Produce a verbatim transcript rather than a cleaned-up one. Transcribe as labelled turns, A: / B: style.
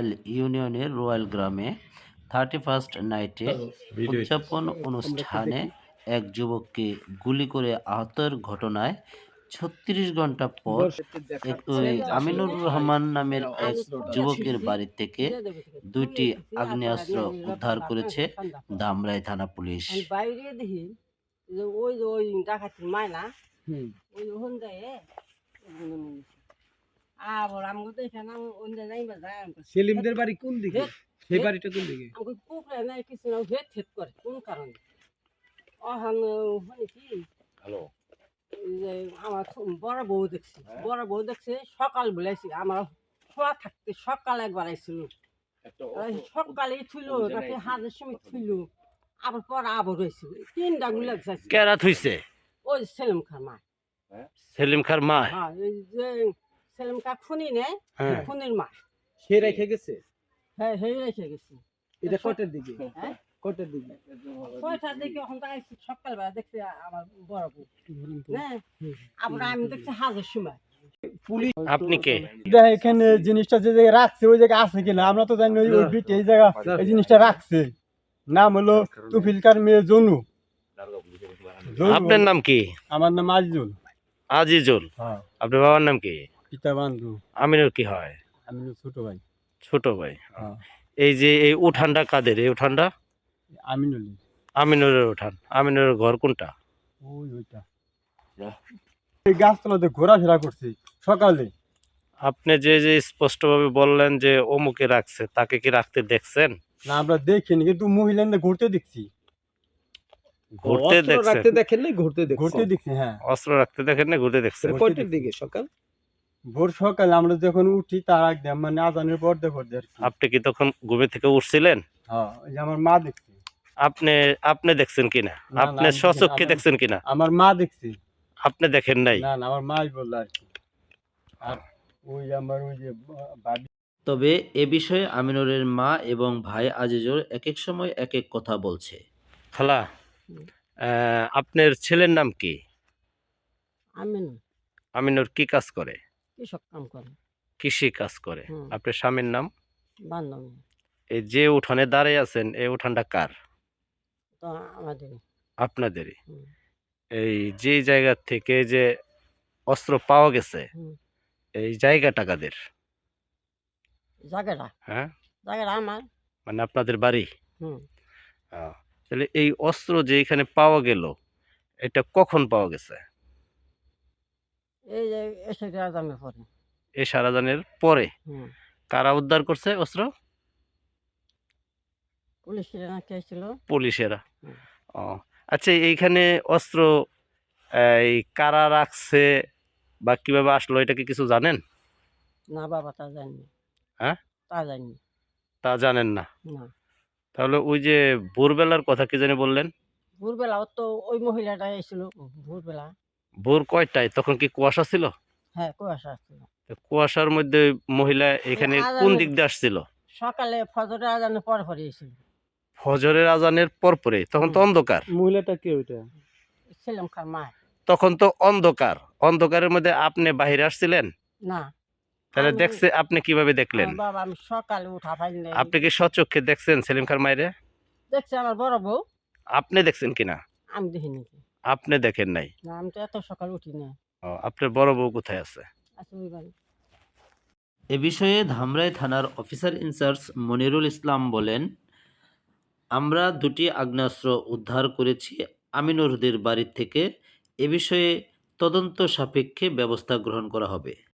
A: Royal ইউনিয়নের royal গ্রামে thirty first নাইটে উদযাপন অনুষ্ঠানে এক যুবককে গুলি করে আহতের ঘটনায় ছত্রিশ ঘন্টা পর এক- ওই আমিনুর রহমান নামের এক যুবকের বাড়ি থেকে দুইটি আগ্নেয়াস্ত্র উদ্ধার করেছে ধামরাই থানা পুলিশ।
B: আমি বাইরে দেখি যে ওই যে ওই ডাকাতির মায়না ওই ওখান থেকে আবার আমাকে তো এখানে অন্য যাইবা যায়
C: সেলিমদের বাড়ি কোন দিকে? সেই বাড়িটা কোন দিকে?
B: আমাকে পুকুরে নাই কিছু না ভেদ থেদ করে কোন কারণে অহন মানে কি
D: হ্যালো
B: যে আমার বড় বউ দেখছি বড় বউ দেখছে সকাল বলেছি আমার খোয়া থাকতে সকাল একবার আইছিল সকালে থুইল নাকি হাজার সময় থুইল আবার পর আবার হয়েছিল তিনটা গুলা যাচ্ছে
A: কেরা থুইছে?
B: ওই সেলিম খার মা
A: সেলিম খার মা?
B: হ্যাঁ এই যে সেলিম কা খুনি নেই
A: হ্যাঁ।
B: খুনির মা
C: সে রেখে গেছে।
B: হ্যাঁ হয়ে রেখে গেছি
C: এটা কটের দিকে?
B: হ্যাঁ
C: কটের দিকে?
B: ছয়টার দিকে এখন তো আইছি সকালবেলা দেখছি আমার বড় বউ হ্যাঁ আবার আমি দেখছি হাজার সময়
C: পুলিশ
A: আপনি কে?
E: দেখ এখানে জিনিসটা যে জায়গায় রাখছে ওই জায়গায় আছে কিনা আমরা তো জানি না, ওই বিট এই জায়গা এই জিনিসটা রাখছে। নাম হলো তুফিলকার মেয়ে জনু। জনু।
A: আপনার নাম কি?
E: আমার নাম আজিজুল।
A: আজিজুল।
E: হ্যাঁ
A: আপনার বাবার নাম কি?
E: পিতা বান্ধু।
A: আমিনুর কি হয়?
E: আমি হলো ছোট ভাই।
A: ছোট ভাই।
E: হ্যাঁ
A: এই যে এই উঠানটা কাদের? এই উঠানটা
E: আমিনুল।
A: আমিনুরের উঠান। আমিনুরের ঘর কোনটা?
E: ওই ওইটা এই গাছতলাতে ঘোরাফেরা করছি সকালে।
A: আপনি যে যে স্পষ্টভাবে বললেন যে অমুকে রাখছে, তাকে কি রাখতে দেখছেন?
E: না আমরা দেখিনি, কিন্তু মহিলাদের ঘুরতে দেখছি।
A: ঘুরতে
C: অস্ত্র
A: দেখছেন?
C: রাখতে দেখেন নাই, ঘুরতে দেখছেন?
E: ঘুরতে দেখছি হ্যাঁ।
A: অস্ত্র রাখতে দেখেন না, ঘুরতে দেখছেন?
E: ঘুরতে
C: কয়টার
E: দেখছি।
C: দিকে সকাল?
E: ভোর সকালে আমরা যখন উঠি তার আগে মানে আজানের পর দেখো আর কি।
A: আপনি কি তখন ঘুমে থেকে উঠছিলেন?
E: হ্যাঁ ওই যে আমার মা দেখছি।
A: আপনি আপনি দেখছেন কিনা?
E: না,
A: আপনি
E: আমি
A: স্বচক্ষে
E: দেখিনি,
A: দেখছেন কিনা?
E: আমার মা দেখছি।
A: আপনি দেখেন নাই?
E: না না আমার মাই বললো আর কি। আর ওই আমার ওই যে বাড়ি।
A: তবে এ বিষয়ে আমিনুরের মা এবং ভাই আজিজুর এক এক সময় এক এক কথা বলছে। খালা, আহ, আপনার ছেলের নাম কি?
B: আমিন
A: আমিনুর কি কাজ করে?
B: কৃষক কাম করে
A: কৃষি কাজ করে।
B: হুম।
A: আপনার স্বামীর নাম?
B: বান্ধবী
A: এই যে উঠানে দাঁড়িয়ে আছেন, এই উঠানটা কার?
B: তো আমাদের
A: আপনাদেরই।
B: হুম।
A: এই যে জায়গা থেকে যে অস্ত্র পাওয়া গেছে,
B: হুম।
A: এই জায়গাটা কাদের?
B: জায়গাটা
A: হ্যাঁ,
B: জায়গাটা আমার
A: মানে আপনাদের বাড়ি।
B: হুম
A: আহ, তাহলে এই অস্ত্র যে এখানে পাওয়া গেল, এটা কখন পাওয়া গেছে?
B: এই যে এসে গ্রামে পরে
A: এই সারাজানের পরে।
B: হুম
A: কারা উদ্ধার করছে অস্ত্র?
B: পুলিশের না কে ছিল
A: পুলিশেরা।
B: হুম।
A: ও আচ্ছা, এইখানে অস্ত্র এই কারা রাখছে বা কিভাবে আসলো, এটা কি কিছু জানেন?
B: না বাবা তা জানি
A: হ্যাঁ,
B: তা জানি
A: তা জানেন না?
B: না
A: তাহলে ওই যে ভোরবেলার কথা কি জানি বললেন?
B: ভোরবেলাও তো ওই মহিলাটা এসেছিল ভোরবেলা
A: ভোর কয়টায়? তখন কি কুয়াশা ছিল?
B: হ্যাঁ কুয়াশা আসছিল
A: তো কুয়াশার মধ্যে ওই মহিলা এখানে
B: আজানের-
A: কোন দিক দিয়ে আসছিল?
B: সকালে ফজরের আজানের পরে পরে এসেছিল
A: ফজরের আজানের পর পরে, তখন তো
B: হুম।
A: অন্ধকার।
C: মহিলাটা কে ওইটা?
B: সেলিম খার মা
A: তখন তো অন্ধকার। অন্ধকারের মধ্যে আপনি বাহিরে আসছিলেন?
B: না
A: তাহলে
B: আমি-
A: দেখছে, আপনি কিভাবে দেখলেন?
B: আমার বাবা আমি সকালে উঠা পাইনি
A: আপনি কি সচক্ষে দেখছেন সেলিম খার মায়েরে?
B: দেখছি আমার বড় বউ
A: আপনি দেখছেন কিনা?
B: আমি দেখিনি
A: আপনি দেখেন নাই?
B: না আমি তো এত সকাল উঠি না
A: ও, আপনার বড় বউ কোথায় আছে?
B: আচ্ছা ওই বাড়ি
A: এ বিষয়ে ধামরাই থানার অফিসার ইনচার্জ মনিরুল ইসলাম বলেন, আমরা দুটি আগ্নেয়াস্ত্র উদ্ধার করেছি আমিনুরদের বাড়ি থেকে। এ বিষয়ে তদন্ত সাপেক্ষে ব্যবস্থা গ্রহণ করা হবে।